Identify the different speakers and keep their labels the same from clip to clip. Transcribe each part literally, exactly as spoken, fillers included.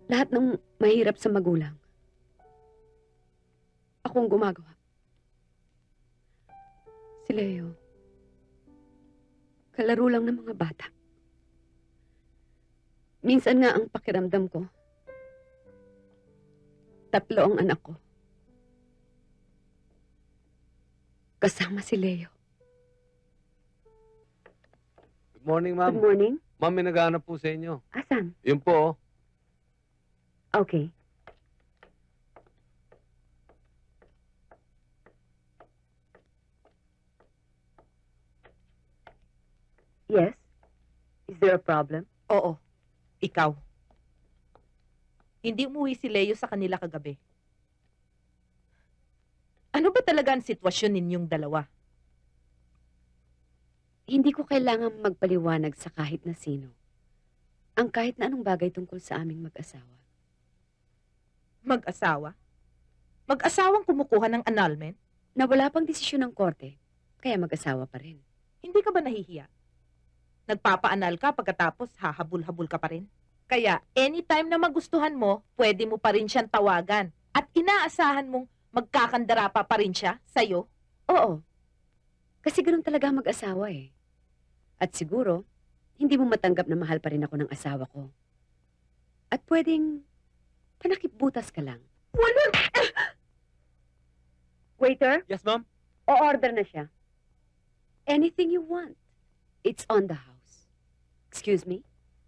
Speaker 1: Lahat ng mahirap sa magulang, akong gumagawa. Si Leo, kalaro lang ng mga bata. Minsan nga ang pakiramdam ko, tatlo ang anak ko. Kasama si Leo.
Speaker 2: Good morning,
Speaker 1: Good
Speaker 2: ma'am.
Speaker 1: morning.
Speaker 2: Ma'am, may naghahanap po sa inyo.
Speaker 1: Asan?
Speaker 2: Yun po, oh.
Speaker 1: Okay. Yes? Is there a problem?
Speaker 3: Oo, ikaw. Hindi umuwi si Leo sa kanila kagabi. Ano ba talaga ang sitwasyon ninyong dalawa?
Speaker 1: Hindi ko kailangan magpaliwanag sa kahit na sino ang kahit na anong bagay tungkol sa aming mag-asawa.
Speaker 3: Mag-asawa? Mag-asawang kumukuha ng annulment?
Speaker 1: Na wala pang desisyon ng korte, kaya mag-asawa pa rin.
Speaker 3: Hindi ka ba nahihiya? Nagpapa-annul ka pagkatapos hahabol-habol ka pa rin? Kaya anytime na magustuhan mo, pwede mo pa rin siyang tawagan. At inaasahan mong magkakandara pa pa rin siya sa'yo?
Speaker 1: Oo. Kasi ganun talaga ang mag-asawa eh. At siguro, hindi mo matanggap na mahal pa rin ako ng asawa ko. At pwedeng panakip-butas ka lang.
Speaker 3: Wala!
Speaker 1: Waiter,
Speaker 2: Yes, ma'am?
Speaker 1: o-order na siya. Anything you want. It's on the house. Excuse me?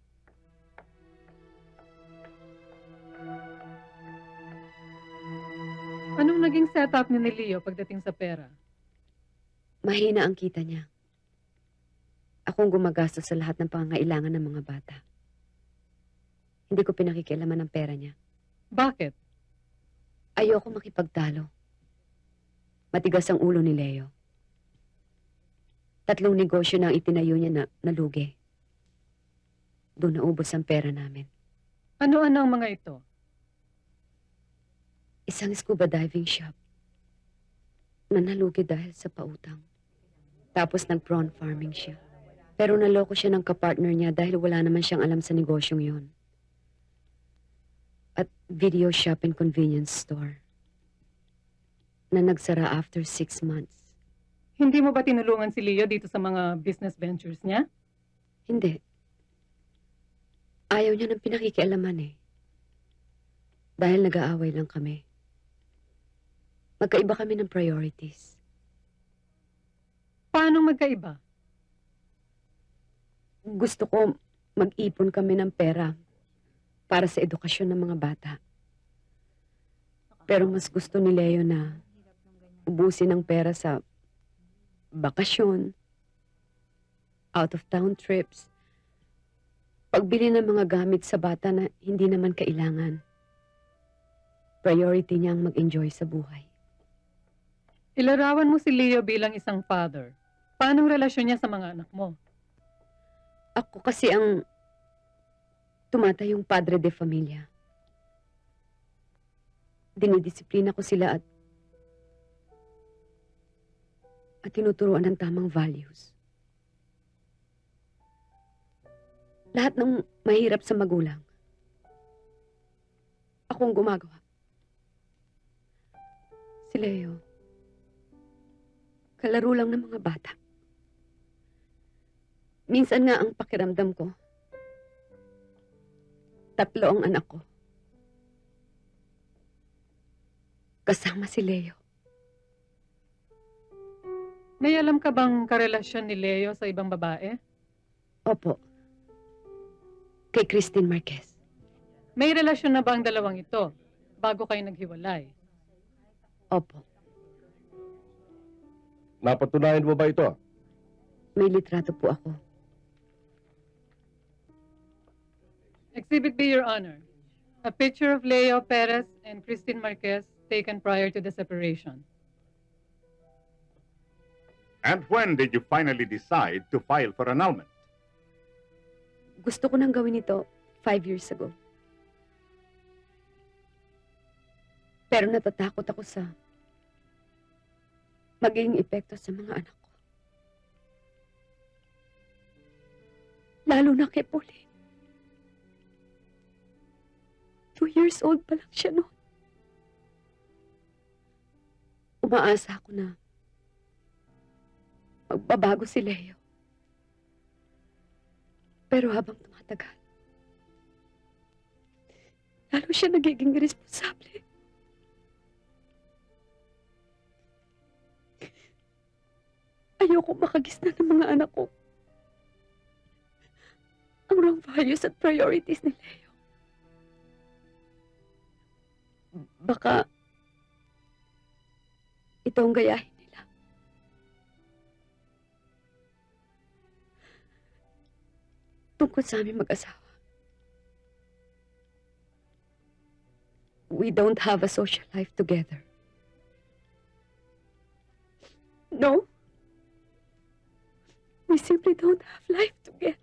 Speaker 4: Anong naging setup ni Leo pagdating sa pera?
Speaker 1: Mahina ang kita niya. Akong gumagastos sa lahat ng pangangailangan ng mga bata. Hindi ko pinakikialaman ng pera niya.
Speaker 4: Bakit?
Speaker 1: Ayoko makipagtalo. Matigas ang ulo ni Leo. Tatlong negosyo na ang itinayo niya na nalugi. Doon naubos ang pera namin.
Speaker 4: Ano-ano ang mga ito?
Speaker 1: Isang scuba diving shop na nalugi dahil sa pautang. Tapos nag-prawn farming siya. Pero naloko siya ng kapartner niya dahil wala naman siyang alam sa negosyong yon. At video shop and convenience store na nagsara after six months.
Speaker 4: Hindi mo ba tinulungan si Leo dito sa mga business ventures niya?
Speaker 1: Hindi. Ayaw niya ng pinakikialaman eh. Dahil nag-aaway lang kami. Magkaiba kami ng priorities.
Speaker 4: Paano magkaiba?
Speaker 1: Gusto ko mag-ipon kami ng pera para sa edukasyon ng mga bata. Pero mas gusto ni Leo na ubusin ang pera sa bakasyon, out-of-town trips, pagbili ng mga gamit sa bata na hindi naman kailangan. Priority niya ang mag-enjoy sa buhay.
Speaker 4: Ilarawan mo si Leo bilang isang father. Paano ang relasyon niya sa mga anak mo?
Speaker 1: Ako kasi ang tumatayong padre de familia. Dinidisiplina ko sila at at tinuturuan ng tamang values. Lahat ng mahirap sa magulang, akong gumagawa. Si Leo, kalaro lang ng mga bata. Minsan nga ang pakiramdam ko, tatlo ang anak ko. Kasama si Leo.
Speaker 4: May alam ka bang karelasyon ni Leo sa ibang babae?
Speaker 1: Opo. Kay Christine Marquez.
Speaker 4: May relasyon na ba ang dalawang ito bago kayo naghiwalay?
Speaker 1: Opo.
Speaker 5: Napatunayan mo ba ito?
Speaker 1: May litrato po ako.
Speaker 4: Exhibit B, Your Honor. A picture of Leo Perez and Christine Marquez taken prior to the separation.
Speaker 6: And when did you finally decide to file for annulment?
Speaker 1: Gusto ko nang gawin ito five years ago. Pero natatakot ako sa magiging epekto sa mga anak ko. Lalo na kay Pauline. Two years old pa lang siya noon. Umaasa ako na magbabago si Leo. Pero habang tumatagal, lalo siya nagiging irresponsable. Ayoko makagisna ng mga anak ko ang wrong values at priorities ni Leo. Baka ito ang gayahin nila. Tungkol sa aming mag-asawa. We don't have a social life together. No. We simply don't have life together.